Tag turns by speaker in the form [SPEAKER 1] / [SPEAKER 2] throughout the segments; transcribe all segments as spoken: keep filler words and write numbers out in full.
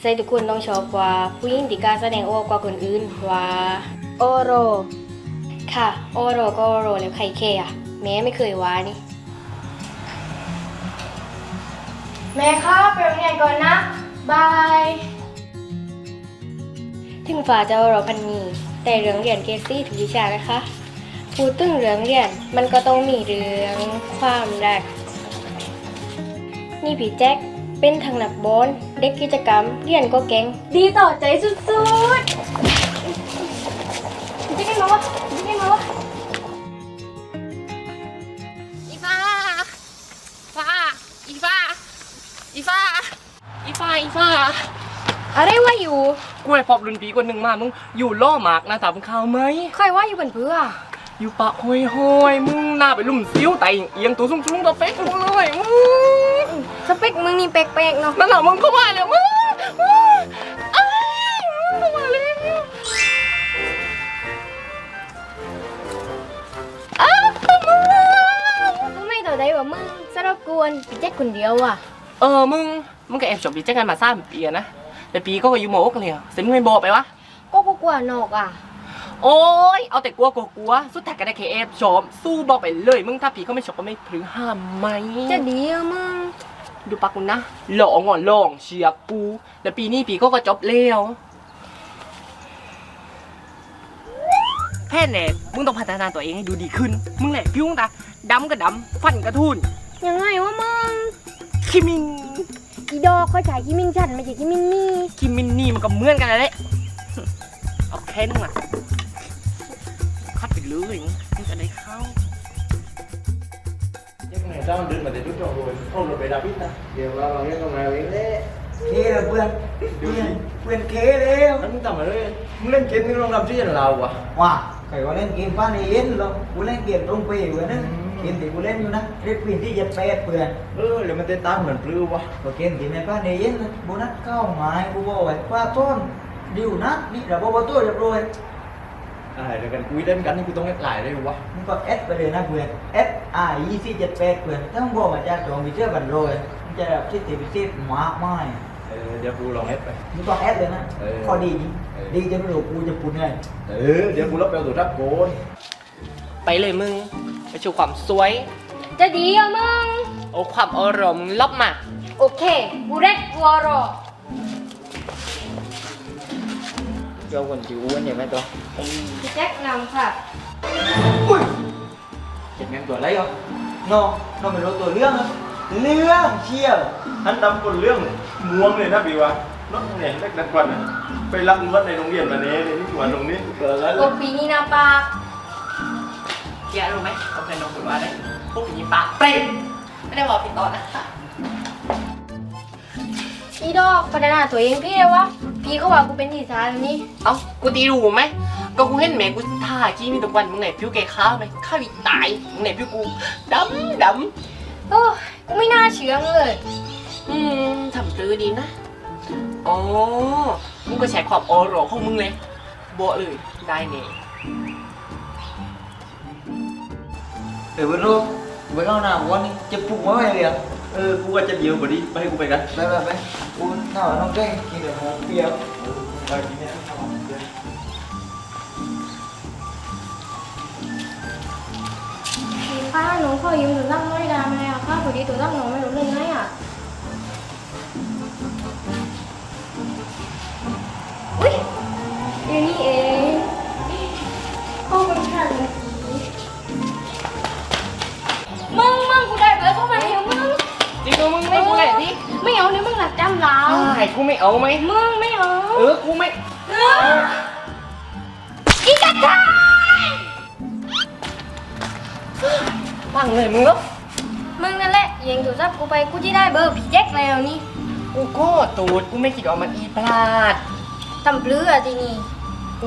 [SPEAKER 1] ใจทุกคนต้องชอบว่าผู้หญิงที่กล้าแสดงออกกว่าคนอื่นว่าโอโรค่ะโอโรก็โอโรแล้วใครเคอะแม่ไม่เคยว่านี่แม่ครับไปโรงเรียนก่อนนะบายถึงฝ่าจะโอโรพันนีแต่เรื่องเรียนเกซี่ทุกวิชานะคะพูดถึงเรื่องเรียนมันก็ต้องมีเรื่องความรักนี่พี่แจ็คเป็นทางนักบอลเด็กกิจกรรมเรียนก็เก่งดีต่อใจสุดๆพี่แจ็คมาวะพี่แจ็คมาวะ
[SPEAKER 2] อีฟ้าฟ้าอีฟ้าอีฟ้าอีฟ้าอีฟ้า
[SPEAKER 1] อะไรวะอยู่
[SPEAKER 2] กูไปพบรุ่นพี่คนหนึ่งมามึงอยู่ล่อหมากนะถามข่าวไหม
[SPEAKER 1] ใครว่าอยู่เป็นเพื่อ
[SPEAKER 2] อยู่ปะห้อยห้อยมึงหน้าไปลุ่มซิ้วไตเอียงตัวสูงสูงตัวเป๊กกูเลยมึง
[SPEAKER 1] สเปคมึงนี่แปลกๆเนาะ
[SPEAKER 2] นั่นแหละมึงเข้ามาแล้วมึงไอ้มึงเข้ามาแล้วอ้าวมึง
[SPEAKER 1] มึงไม่ต่อใจว่ามึงสารบกวนพี่แจ็คคนเดียวอ่ะ
[SPEAKER 2] เออมึงมึงก็แอบจบดีแจ้งกันมาสามปีนะแต่ปีก็อยู่โมกเลยเสร็จมึงไม่บอกไปวะ
[SPEAKER 1] ก็กลัวนอกอ่ะ
[SPEAKER 2] โอ้ยเอาแต่กลัวกลัวกลัวสุดท้ายก็ได้แค่แอบชมสู้บอกไปเลยมึงถ้าผีเขาไม่ชอบก็ไม่พรึงห้ามไหม
[SPEAKER 1] จะดีอะมึง
[SPEAKER 2] ดูปากกูนะหล่อง่อนหล่องเชียร์กูแต่ปีนี้ปีก็ก็จบแล้วแค่แน่มึงต้องพัฒนาตัวเองให้ดูดีขึ้นมึงแหละพิ้งตาดำก็ดำฟันก็ทุน
[SPEAKER 1] ยังไงวะมึง
[SPEAKER 2] คิมิน
[SPEAKER 1] อีดอกเขาใช้คิมินฉันไม่ใช่คิมินนี่
[SPEAKER 2] คิมินนี่มันก็เหมือนกันเลยเอาแค่นึงอ่ะคัดไปเลยมึงจะได้เข้า
[SPEAKER 3] sao mình được mà để chút rồi không được về David ta
[SPEAKER 4] điều là bằng cái con nào vậy đấy kia là quyền quyền quyền kế đấy
[SPEAKER 3] hắn tầm ở đây muốn lên kiếm nhưng không làm gì là lào à
[SPEAKER 4] wow phải có lên kiếm phan này yên luôn cú lên kiếm trong về vừa đấy kiếm thì cú lên như nè cái quyền thì giật bẹt quyền
[SPEAKER 3] ừ là mình tên tam mình lưu quá
[SPEAKER 4] và kiếm thì này phan này yên bố nát cao mái bố bò phải qua tôn điều nát đi là bố bố tôi được rồi
[SPEAKER 3] à rồi cần quý đến cánh thì tôi ép lại đây quá
[SPEAKER 4] nhưng còn S bây giờ là quyền S A I C giật bẹt quyềnถ้ามึงบอกมาจากจองวิเชื่อกันrồiจะแบบที่ติดวิเศษมากมาย
[SPEAKER 3] เดี๋ยวกูลองเอฟไป
[SPEAKER 4] มึงต้องเอฟเลยนะข้อดีดีจะไม่รู้กูจะปุ่นไง
[SPEAKER 3] เออเดี๋ยวกูรับเอาตัวรับโกน
[SPEAKER 2] ไปเลยมึงไปโชว์ความสวย
[SPEAKER 1] จะดีอะมึง
[SPEAKER 2] โอ้ความอารมณ์ลบมา
[SPEAKER 1] โอเคกูเร็ดกูรอ
[SPEAKER 4] cho quần chịu uống vậy mấy tôi
[SPEAKER 1] พี่แจ็คนำค่ะ
[SPEAKER 4] ui chật ngang tuổi lấy không nó nó phải nói tuổi lương không lương chiều
[SPEAKER 3] ท่านดำคนเรื่องม่วงเลยนะพี่วะน้องเนี่ยเล็กนักวันไปรับรถในโรงเรียนมาเนี้ยนี่คือวันตรงนี้เกิดแล้ว
[SPEAKER 1] โอปีนี่นาปาก
[SPEAKER 2] เกียร์รู้ไหมเขาเคยลงถือว่าได้พวกผีปากเปรี้ยไม่ได้บอกผิดตอนนะ
[SPEAKER 1] อีดอกพัฒนาตัวเองพี่เลยวะพี่เขาว่ากูเป็นทีสานนี่
[SPEAKER 2] เอ้ากูตีรู้ไหมก็กูเห็นแม่กูท่ากี้มีทุกวันมึงไหนผิวแกขาวไหมข้าวอีตายมึงไหนผิวกูดำด
[SPEAKER 1] ำโอ้กูไม่น่าเชื่อเลย
[SPEAKER 2] อืมทำตื้อดีนะอ๋อมึงก็ใช้ความโอโรของมึงเลยโบเลยได้เนี่ย
[SPEAKER 4] เออเว้ยลูกเว้ยเอาหน้าวันนี้จะปลุกไว้ไหมเนี่ย
[SPEAKER 3] เออกูว่าจะเดียวกว่านี้ไปให้กูไปกัน
[SPEAKER 4] ไปไปไปกูหน้าน้องแก้งกินเดี๋ยวหอมเปรี้ยว
[SPEAKER 3] ไปกินเนี่ย
[SPEAKER 1] ป้าหนูขอยืมตัวตั้งน้อยดาไหมอ่ะป้าพอดีตัวตั้งหนูไม่รู้เรื่องไงอ่ะอุ้ยอยู่นี่เองเข้าไปค่ะมึงมึงกูได้เบอร์เข้ามาเดี๋ยวมึง
[SPEAKER 2] จริงตัวมึงไม่กูเลยดิ
[SPEAKER 1] ไม่เอาเนี่ยมึงหลักจำเรา
[SPEAKER 2] ใช่กูไม่เอาไหม
[SPEAKER 1] มึงไม่เอา
[SPEAKER 2] เออกูไม่
[SPEAKER 1] อีกระต่าย
[SPEAKER 2] ฟังเลยมึงแล้ว
[SPEAKER 1] มึงนั่นแหละยิงโทรศัพท์กูไปกูจะได้เบอร์พี่แจ็คแล้วนี่
[SPEAKER 2] กูก็ตูดกูไม่คิดออกมาอีพลาด
[SPEAKER 1] ทำเปลือกทีนี่
[SPEAKER 2] กู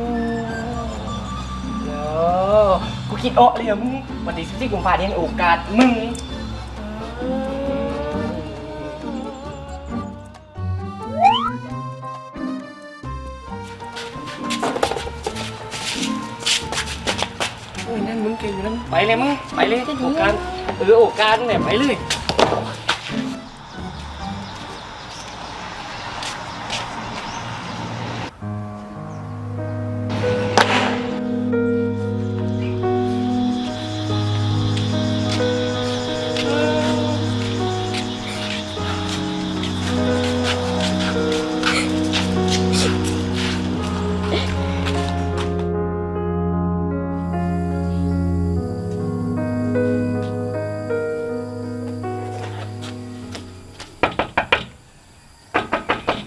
[SPEAKER 2] เนาะกูคิดออกเลยมึงวันที่สิบสี่กุมภาพันธ์เนี่ยโอกาสมึงโอ้ยนั่นมึงเก่งอยู่นั่นไปเลยมึงไปเลยโอกาสเออโอกาสเนี่ยไปเลย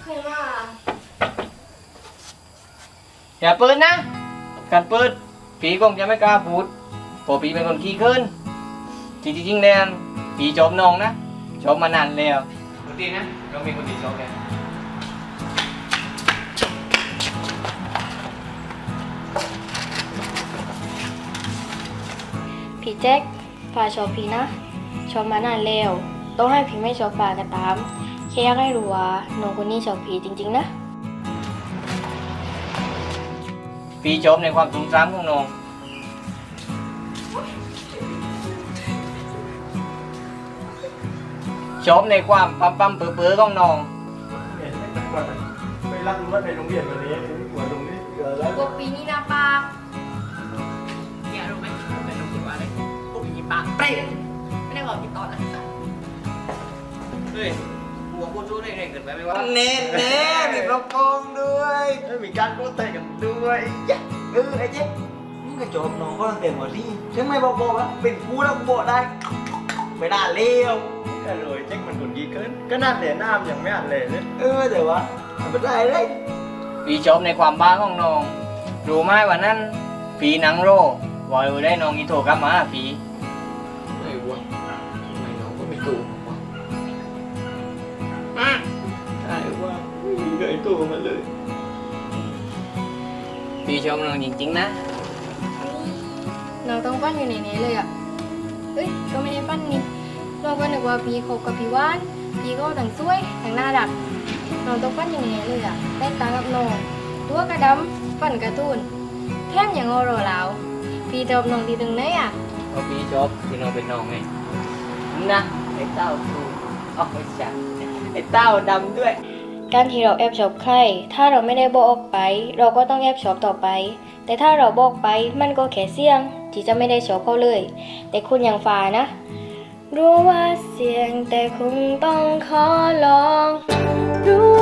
[SPEAKER 1] เคยมา
[SPEAKER 5] อย่าเปิดนะ การเปิดผีคงจะไม่กล้าพูดเพราะผีเป็นคนขี้เขินจริงๆแล้วผีชอบน้องนะชอบมานานแล้วคนที่นะเรามีคนที่ชอบแล้ว
[SPEAKER 1] พี่แจ็คฝ่าชอบพี่นะ ชอบมานานแล้วต้องให้พี่ไม่ชอบฝ่าก็ตามแค่อยากให้รู้ว่าน้องคนนี้ชอบพี่จริงๆนะ
[SPEAKER 5] ผีชอบในความตุ้มซ้ำของน้องชอบในความปั๊มปั๊มเปื้อเปื้อของน้อง
[SPEAKER 3] เนี่ยเล็กนักกว่านะไปรักเลือดในโรงเรียนวันนี้นี่กว่าตรงนี้เกิดอะไร
[SPEAKER 1] พวกปีนี้นะปาก
[SPEAKER 2] เนี่ยรู้ไหมผมเป็นน้องคิดว่าอะไรพวกอีปากเปรี้ยไม่ได้บอกกินตอนนะ
[SPEAKER 5] เฮ้ยหัวพูดรู้ได้ไงเกิดไปไหมวะ
[SPEAKER 4] เน้นเน้นมีกระโปรงด้วย
[SPEAKER 3] เอ้ยมีการโกเตะกันด้วย
[SPEAKER 4] เออไอ้เจ๊มึงก็จบน้องก็ตั้งแต่หัวที่ถึงไม่บอกบอกว่าเป็นกูแล้วกูบอกได้ไม่น่าเลว
[SPEAKER 3] ก็เลยเจ๊กมันคนดีเกินก็น่าเหลียน้ำอย่างไม่อ่านเลยเลย
[SPEAKER 4] เออแต่ว่ามันไม่ได้เลย
[SPEAKER 5] ผีชอบในความบ้าของน้องรู้ไหมวันนั้นผีหนังโรวอยได้น้องอีโทกลับมาผี
[SPEAKER 2] ไหนวะทำไมน้องก็ไม่ตูวะ
[SPEAKER 3] ใช่ว่าไม่มีเคยตัวมันเลย
[SPEAKER 5] ผีชอบน้องจริงๆนะ
[SPEAKER 1] น้องต้องปั้นอยู่ในนี้เลยอ่ะเฮ้ยก็ไม่ได้ปั้นนี่เราก็นึกว่าพี่คบกับพี่ว่านพี่ก็ทั้งสวยทั้งน่ารักน้องต้องปั้นอยู่ในนี้เลยอ่ะแตกต่างกับน้องตัวกระดำฟันกระตูนแถมอย่างโอโรแล้วพี่ชอบน้องดีตรงไหนอ่ะ
[SPEAKER 5] เพราะพี่ชอบที่น้องเป็นน้องไงนะไอ้เต้าตูอ๋อไม่ใช่ไอ้เต้าดำด้วย
[SPEAKER 1] การที่เราแอบชอบใคร ถ้าเราไม่ได้บอกออกไป เราก็ต้องแอบชอบต่อไป แต่ถ้าเราบอกไป มันก็แค่เสี่ยง ที่จะไม่ได้ชอบเขาเลย แต่คุณอย่างฟ้านะ รู้ว่าเสี่ยงแต่คงต้องขอลอง รู้